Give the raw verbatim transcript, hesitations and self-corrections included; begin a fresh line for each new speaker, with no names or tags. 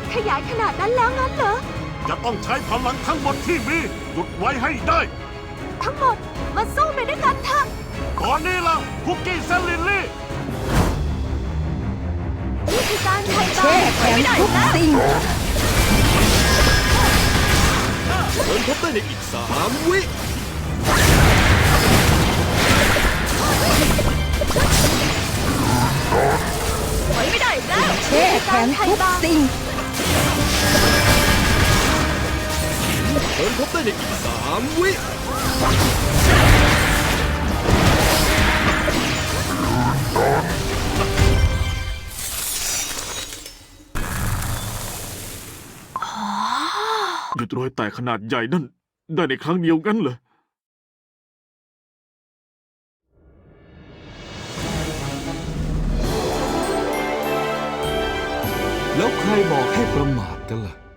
ขยายขนาดนั้นแล้วงั้นเหรอ
จะต้องใช้พลังทั้งหมดที่มีหยุดไว้ให้ได้
ทั้งหมดมาสู้ไปด้วยกันเถอะ
ตอนนี้ล่ะคุกกี้เซนลิลลี่
นี่คือการไถ่บาป
แช่แข็งทุกสิ่ง
เดินพบได้ในอีกสามวิ
ถอยไม่ได้แล้ว
แช่แข็งทุกสิ่ง
เดินพบได้ในอีกสามวิ
หยุดรอยแตกขนาดใหญ่นั่นได้ในครั้งเดียวกันเหรอ
แล้วใครบอกให้ประมาทกันล่ะ